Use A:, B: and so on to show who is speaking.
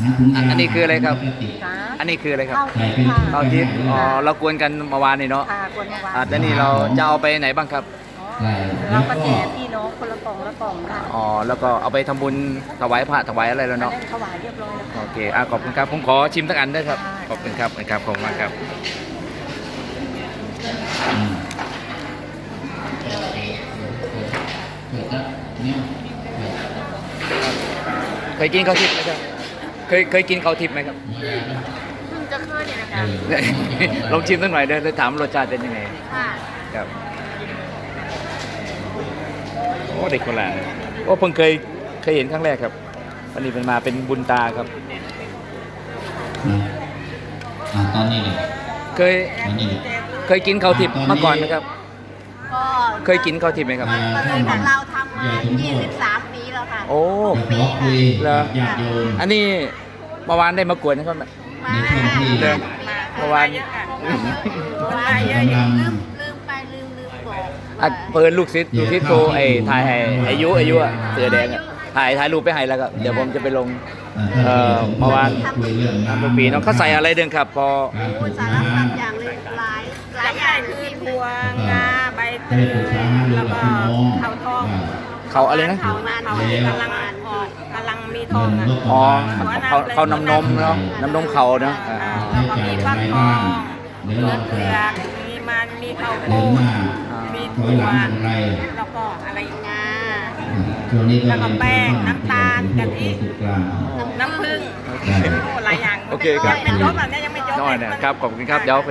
A: อันนี้คืออะไรครับ
B: จ้า
A: อันนี้คืออะไรครับ
B: ข้าวทิพย์ค่ะ
A: ข้าวทิพย์อ๋อเรากวนกันเมื่อวานนี่เนาะ
B: ค่ะกวนมาวาง
A: แต่นี่เราจะเอาไปไหนบ้างครับ
B: อ๋อเราก็แจกพี่น้องคนละกล่องละกล่องค่ะ
A: อ๋อแล้วก็เอาไปทำบุญถวายพระถวายอะไรแล้ว
B: อัน
A: เนาะ
B: นั้นถวายเรียบร้อยแล้วค่ะ
A: โอเคขอบคุณครับผมขอชิมสักอันด้วยครับ
B: ได้
A: ขอบคุณครับขอบคุณมากครับเคยกินข้าวทิพย์ไหมครับเคยกินข้าวทิพย์ไหมครับ
B: เพิ่งจะเคยเนี่ยนะคะ
A: ลองชิมสักหน่อยเดี๋ยวถามรสชาติเป็นยังไง
B: ค่ะ
A: ครับโอ้เด็กคนละโอ้เพิ่งเคยเห็นครั้งแรกครับวันนี้เป็นมาเป็นบุญตาครับ
C: ตอนนี้เลย
A: เคย
C: ตอนนี้เลย
A: เคยกินข้าวทิพย์มาก่อนไหมครับ
B: ก็
A: เคยกินข้าวทิพย์ไหมครับ
B: มันเลยของเราทำมา23 ปีแล้วค่ะ
A: โอ้
C: ขอคุย
A: เหรอ
C: ญาติโยม
A: อันนี้เมื่อวานได้มากวนนะครับ
B: มา
C: ในช่วงที่
A: เดินเมื่อวาน
B: ลืมไปลืมบอก
A: อ่ะเปิดลูกศิษย์โทรถ่ายให้อายุอ่ะเสือแดงอ่ะถ่ายรูปไปให้แล้วครับเดี๋ยวผมจะไปลง เมื่อวาน
C: คุยเรื่อง
A: ทุกปีเน้องเขาใส่อะไรเดินครับ พอ
C: การ
B: พู
C: ปรึ
B: ด
C: ก
B: สา
C: ษาร
B: พัดอย่างเลยหลายอย่างคือบัวงาใบเต
C: ได้
B: ย
C: ปรึกษาหารือ
B: แล้ว
C: กับ
B: ก็
C: พี่น้อง
B: เขาทอง
A: เขาอะไรนะ
B: เขานานเขากำลังออกกำลังมีทองอ่ะ
A: อ๋อเขาน้ำนมเนาะน้ำนมเขาเนาะ
B: แล้วก็มีฟักทอง
C: เดี๋ยว
B: เลื
C: เรา
B: อดเป
C: จะ
B: ลือกมีมันมีข้าวโพ
C: เดิน
B: ด
C: หน้า
B: มี
C: ถอยหลังอย่างไร
B: แล้วก็อะไรงา
C: ช่วงนี้ก็
B: แล้วก็แป้งน้ำตาลกะทิ
C: สุดกลาง
B: น้ำผึ้ง
C: ได้
B: โอ้หลายอย่าง
A: โอเคครับ
B: ยังไม่จบอ่ะเนี่ยยังไม่จบ
A: น้อยนะครับขอบคุณครับเดี๋ยวไป